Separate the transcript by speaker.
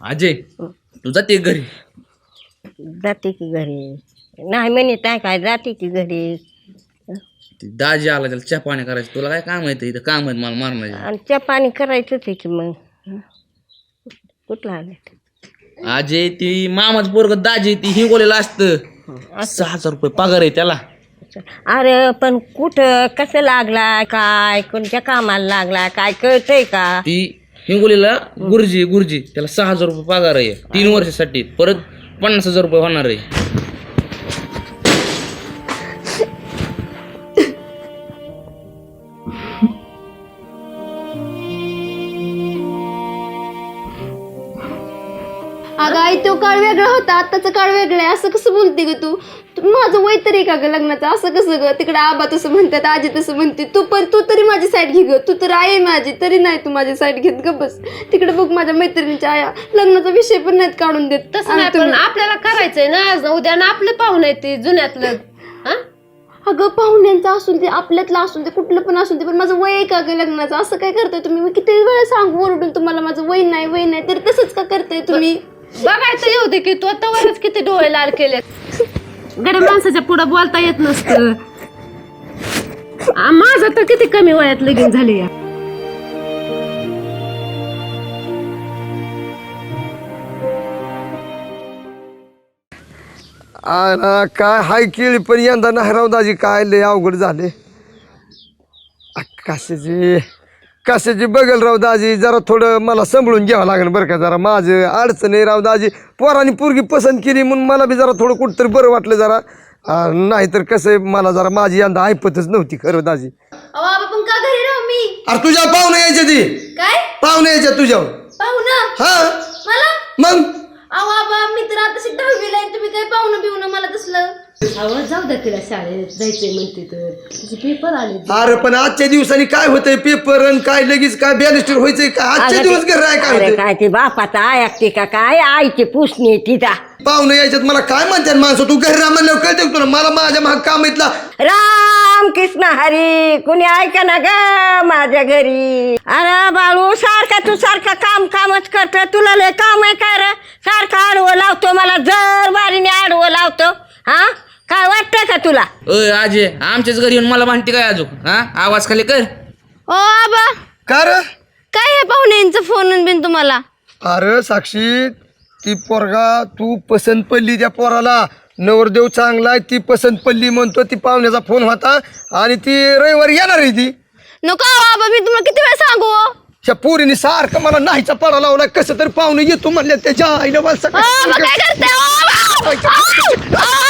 Speaker 1: अजय तू जाते घरी?
Speaker 2: जाते की घरी. नाही म्हणत नाही काय, जाते की घरी.
Speaker 1: दाजी आला त्याला चहा पाणी करायचं, तुला काय काम आहे इथं? काम आहेत मला मारण्याचे.
Speaker 2: आणि चहा पाणी करायचंच आहे की मग. कुठला आलं
Speaker 1: अजय ती मामाच पोरग दाजी ती हिंगोलीला असतं. 6,000 रुपये पगार आहे त्याला.
Speaker 2: अरे पण कुठं कसं लागला काय, कोणत्या कामाला लागला काय कळतंय का?
Speaker 1: ती हिंगोलीला गुरुजी त्याला 6,000 रुपये पगार आहे 3 वर्षासाठी, परत 50,000 रुपये होणार आहे.
Speaker 3: अगं आई तो काळ वेगळा होता, आत्ताचा काळ वेगळा आहे. असं कसं बोलते ग तू? माझं वय तरी का ग लग्नाचं? असं कसं ग? तिकडे आबा तसं म्हणतात, आजी तसं म्हणते, तू तरी माझी साईड घे ग. तू तर आहे माझी, तरी नाही तू माझी साईड घेत ग. बस तिकडे बघ माझ्या मैत्रिणीच्या आया लग्नाचा विषय पण नाहीत काढून देत.
Speaker 4: तसं नाही, पण आपल्याला करायचंय ना आज उद्या ना. आपले पाहुणे ते जुन्यातलं.
Speaker 3: अगं पाहुण्यांचं असून ते, आपल्यातलं असून ते, कुठलं पण असून ते, पण माझं वय आहे का ग लग्नाचं? असं काय करताय तुम्ही? मी किती वेळा सांगू ओरडून तुम्हाला माझं वय नाही, तर तसंच का करताय तुम्ही?
Speaker 4: बघायचं येऊ दे की तू आतावरच किती डोळे लाल केले. गरीब माणसाच्या पुढं बोलता येत नसतं. माझं तर किती कमी वयात लगीन झाले.
Speaker 5: काय हाय केली पण यंदा नाही राव दाजी, काय लय अवघड झाले. कशाची बघेल राव दाजी, जरा थोडं मला सांभाळून घ्यावं लागेल बरं का. जरा माझं अडचण आहे राव दाजी. पोरांनी पोरगी पसंत केली म्हणून मला बी जरा थोडं कुठंतरी बरं वाटलं जरा. नाहीतर कसं आहे, मला जरा माझी यंदा ऐपतच नव्हती खरं दाजी.
Speaker 3: पण का घरी राहू मी?
Speaker 5: अरे तुझ्या पाहुणे यायच्या ती
Speaker 3: काय
Speaker 5: पाहुणे यायच्या तुझ्यावर.
Speaker 3: पाहुणं?
Speaker 5: हा
Speaker 3: मला?
Speaker 5: मग
Speaker 3: अहो आबा मी तर आता 10वीला आहे, तुम्ही काय पाहुणं बिवणं मला तसलं?
Speaker 4: जाऊ द्या तिला, शाळेत जायचंय म्हणते तर तिचे पेपर आले.
Speaker 5: अरे पण आजच्या दिवसांनी काय होतंय, पेपर आणि काय लगेच काय बॅलिस्टर व्हायचंय का? आजच्या दिवस घर आहे काय
Speaker 2: अरे
Speaker 5: होतंय?
Speaker 2: काय ते बापाचा ऐकते का काय? आईची पुसणी तिचा.
Speaker 5: पाहुणे यायच्यात मला काय म्हणतात माणसं, तू घरी राह म्हणल्यावर कळते तुला. मला माझ्या महाग काम येतला.
Speaker 2: राम कृष्ण हरी, कुणी ऐका ना ग माझ्या घरी. अरे बाळू सारखा तू सारखा कामच करतो. तुला लय काम आहे काय रे? सारखा आडवं लावतो मला, जर बारीने आडवं लावतो. हा काय वाटतं का तुला?
Speaker 1: अजय आमच्याच घरी येऊन मला म्हणते काय अजून? आवाज खाली कर.
Speaker 3: ओ आबा
Speaker 5: का रे?
Speaker 3: काय आहे पाहुण्यांचं फोन बिन तुम्हाला?
Speaker 5: अरे साक्षी, ती पोरगा तू पसंत पडली त्या पोराला. नवरदेव चांगला आहे, ती पसंत पडली म्हणतो. ती पाहुण्याचा फोन होता आणि ती रविवारी येणार आहे ती.
Speaker 3: नको आबा, मी तुम्हाला किती वेळ सांगू?
Speaker 5: त्या पोरीने सारखं मला नाहीचा पाडा लावला. कसं तरी पाहुणे येतो म्हणल्या त्याच्या आईला मला
Speaker 3: काय करते